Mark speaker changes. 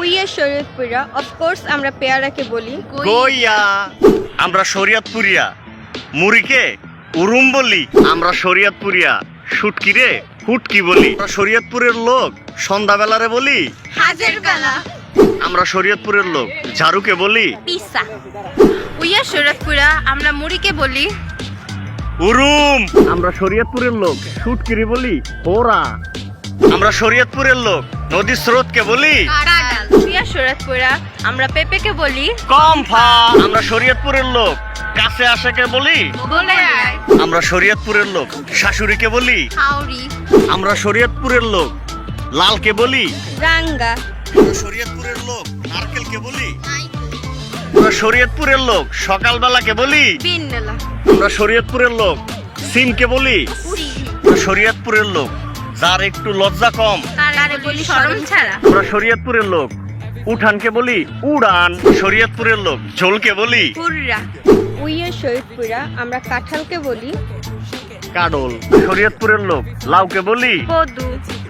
Speaker 1: উইয়া শরীয়তপুরা of course আমরা পেয়ারাকে বলি
Speaker 2: গইয়া। আমরা শরীয়তপুরিয়া। মুড়িকে উরুম বলি। আমরা শরীয়তপুরিয়া। শুটকিরে হুটকি বলি। আমরা শরীয়তপুরের লোক সন্ধ্যাবেলারে বলি
Speaker 1: হাজার বেলা।
Speaker 2: আমরা শরীয়তপুরের লোক ঝাড়ুকে বলি
Speaker 1: পিসা। উইয়া শরীয়তপুরা আমরা মুড়িকে বলি
Speaker 2: উরুম। আমরা শরীয়তপুরের লোক শুটকিরে বলি ওরা। আমরা শরীয়তপুরের লোক নদীর স্রোতকে বলি
Speaker 1: কাডাল। উইয়া শরীয়তপুরা আমরা পেঁপেকে বলি
Speaker 2: কমফা। আমরা শরীয়তপুরের লোক কাছে আসাকে বলি
Speaker 1: বলে আয়।
Speaker 2: আমরা শরীয়তপুরের লোক শাশুড়িকে বলি
Speaker 1: হাওড়ি।
Speaker 2: আমরা শরীয়তপুরের লোক লালকে বলি
Speaker 1: রাঙ্গা।
Speaker 2: আমরা শরীয়তপুরের লোক নারকেলকে বলি আমরা শরীয়তপুরের লোক সকালবেলাকে বলি
Speaker 1: বিন্নলা।
Speaker 2: আমরা শরীয়তপুরের লোক সিমকে বলি আমরা শরীয়তপুরের লোক যার একটু লজ্জা কম
Speaker 1: তারে বলি শরম ছাড়া।
Speaker 2: আমরা শরীয়তপুরের লোক উঠানকে বলি উড়ান। শরীয়তপুরের লোক ঝোলকে বলি
Speaker 1: হুররা। উইয়া শরীয়তপুরা আমরা কাঁঠালকে বলি
Speaker 2: কাডল। শরীয়তপুরের লোক লাউকে বলি
Speaker 1: কদু।